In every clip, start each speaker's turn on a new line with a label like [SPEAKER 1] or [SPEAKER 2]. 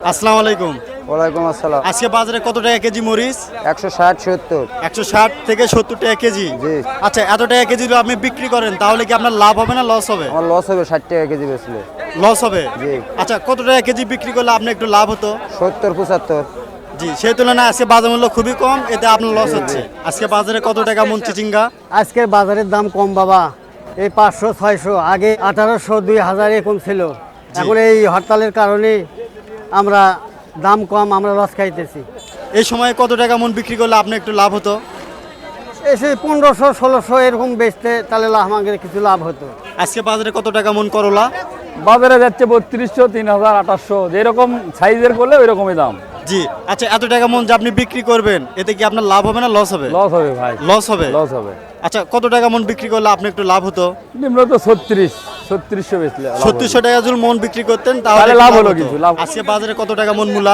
[SPEAKER 1] আসসালামু আলাইকুম।
[SPEAKER 2] ওয়ালাইকুম আসসালাম।
[SPEAKER 1] আজকে বাজারে কত টাকা কেজি মরিচ?
[SPEAKER 2] 160-70।
[SPEAKER 1] 160 থেকে 70 টাকা কেজি।
[SPEAKER 2] জি।
[SPEAKER 1] আচ্ছা, এত টাকা কেজি যদি আপনি বিক্রি করেন তাহলে কি আপনার লাভ হবে না লস হবে?
[SPEAKER 2] আমার লস হবে 60 টাকা কেজি বেচলে।
[SPEAKER 1] লস হবে।
[SPEAKER 2] জি।
[SPEAKER 1] আচ্ছা, কত টাকা কেজি বিক্রি করলে আপনি একটু লাভ হতো?
[SPEAKER 2] 70-75।
[SPEAKER 1] জি, সেই তুলনায় আজকে বাজার মূল্য খুবই কম, এতে আপনার লস হচ্ছে। আজকে বাজারে কত টাকা মন চিচিঙ্গা?
[SPEAKER 3] আজকের বাজারের দাম কম বাবা, এই 500-600, আগে 1800-2000 এরকম ছিল। এখন এই হরতালের কারণে আমরা দাম কম, আমরা লস খাইতেছি।
[SPEAKER 1] এই সময় কত টাকা মন বিক্রি করলে আপনি একটু লাভ হতো?
[SPEAKER 3] এসে 1500-1600 এরকম বেচতে তাহলে আমাদের কিছু লাভ হতো।
[SPEAKER 1] আজকে বাজারে কত টাকা মন করলা?
[SPEAKER 4] বাজারে যাচ্ছে 3200, 3000, 2800, যেরকম সাইজের করলে ওই রকমই দাম।
[SPEAKER 1] জি। আচ্ছা, এত টাকা মন যে আপনি বিক্রি করবেন, এতে কি আপনার লাভ হবে না লস হবে?
[SPEAKER 4] লস হবে ভাই,
[SPEAKER 1] লস হবে।
[SPEAKER 4] লস হবে।
[SPEAKER 1] আচ্ছা, কত টাকা মন বিক্রি করলে আপনি একটু লাভ হতো?
[SPEAKER 4] নিম্ন তো 3600 বেচলে লাভ হবে।
[SPEAKER 1] 3600 টাকা যদি মন বিক্রি করতেন
[SPEAKER 4] তাহলে
[SPEAKER 1] তাহলে
[SPEAKER 4] লাভ হলো
[SPEAKER 1] হতো।
[SPEAKER 4] কিছু, লাভ।
[SPEAKER 1] আজকে বাজারে কত টাকা মন মূলা?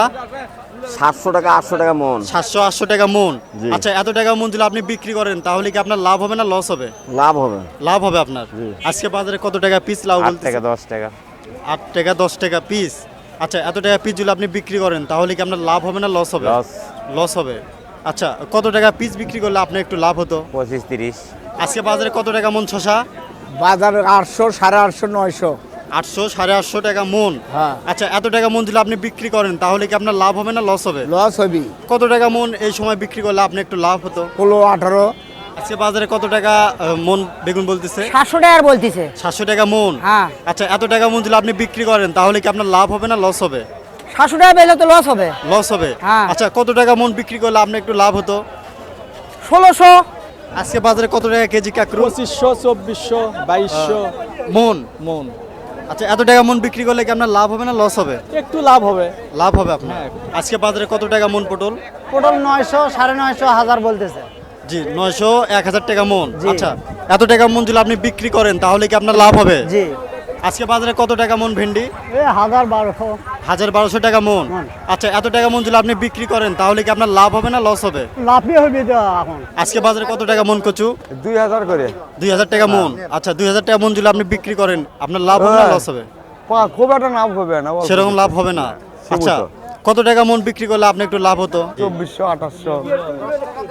[SPEAKER 2] 700 টাকা 800 টাকা মন।
[SPEAKER 1] 700-800 টাকা মন।
[SPEAKER 2] জি।
[SPEAKER 1] আচ্ছা, এত টাকা মন যদি আপনি বিক্রি করেন তাহলে কি আপনার লাভ হবে না লস হবে?
[SPEAKER 2] লাভ হবে।
[SPEAKER 1] লাভ হবে আপনার। আজকে বাজারে কত টাকা পিস লাউ
[SPEAKER 2] 8
[SPEAKER 1] বলতেছে?
[SPEAKER 2] টাকা 10 টাকা।
[SPEAKER 1] 8 টাকা 10 টাকা পিস। আচ্ছা, এত টাকা পিস যদি আপনি বিক্রি করেন তাহলে কি আপনার লাভ হবে না লস হবে?
[SPEAKER 2] লস।
[SPEAKER 1] লস হবে। আচ্ছা, কত টাকা পিস বিক্রি করলে আপনি একটু লাভ হতো?
[SPEAKER 2] 25-30।
[SPEAKER 1] আজকে বাজারে কত টাকা মন শসা?
[SPEAKER 3] বাজারে 800, 850, 900।
[SPEAKER 1] 800, 850 টাকা মন।
[SPEAKER 3] হ্যাঁ।
[SPEAKER 1] আচ্ছা, এত টাকা মন যদি আপনি বিক্রি করেন তাহলে কি আপনার লাভ হবে না লস হবে?
[SPEAKER 3] লস হবি
[SPEAKER 1] কত টাকা মন এই সময় বিক্রি করলে আপনি একটু লাভ হতো?
[SPEAKER 3] 16-18।
[SPEAKER 1] আজকে বাজারে কত টাকা মন বেগুন বলতেছে?
[SPEAKER 5] 700 টাকার বলতিছে।
[SPEAKER 1] 700 টাকা মন।
[SPEAKER 5] হ্যাঁ।
[SPEAKER 1] আচ্ছা, এত টাকা মন যদি আপনি বিক্রি করেন তাহলে কি আপনার লাভ হবে না লস হবে?
[SPEAKER 5] 700 টাকা পেলে তো লস হবে।
[SPEAKER 1] লস হবে।
[SPEAKER 5] হ্যাঁ।
[SPEAKER 1] আচ্ছা, কত টাকা মন বিক্রি করলে আপনি একটু লাভ হতো?
[SPEAKER 5] 1600।
[SPEAKER 1] আজকে বাজারে কত টাকা কেজি কাকরু?
[SPEAKER 4] 2500, 2400, 2200
[SPEAKER 1] মন।
[SPEAKER 4] মন।
[SPEAKER 1] আচ্ছা, এত টাকা মন বিক্রি করলে কি আপনার লাভ হবে না লস হবে?
[SPEAKER 4] একটু লাভ হবে।
[SPEAKER 1] লাভ হবে আপনার। আজকে বাজারে কত টাকা মন পটল?
[SPEAKER 3] পটল 900, 950, 1000 বলতেছে।
[SPEAKER 1] জি, 900, 1000 টাকা মন।
[SPEAKER 3] জি।
[SPEAKER 1] আচ্ছা, এত টাকা মন যদি আপনি বিক্রি করেন তাহলে কি আপনার লাভ হবে?
[SPEAKER 3] জি।
[SPEAKER 1] আজকে বাজারে কত টাকা মন ভেন্ডি?
[SPEAKER 3] এই 1000-1200।
[SPEAKER 1] 1200 টাকা মন। আচ্ছা, এত টাকা মন যদি আপনি বিক্রি করেন তাহলে কি আপনার লাভ হবে না লস হবে?
[SPEAKER 3] লাভই হবে তো এখন।
[SPEAKER 1] আজকে বাজারে কত টাকা মন কচু?
[SPEAKER 2] 2000 করে।
[SPEAKER 1] 2000 টাকা মন। আচ্ছা, 2000 টাকা মন যদি আপনি বিক্রি করেন আপনার লাভ হবে না লস হবে?
[SPEAKER 2] খুব একটা লাভ হবে না।
[SPEAKER 1] সেরকম লাভ হবে না। আচ্ছা, কত টাকা মন বিক্রি করলে আপনি একটু লাভ হতো?
[SPEAKER 2] 2400, 2800।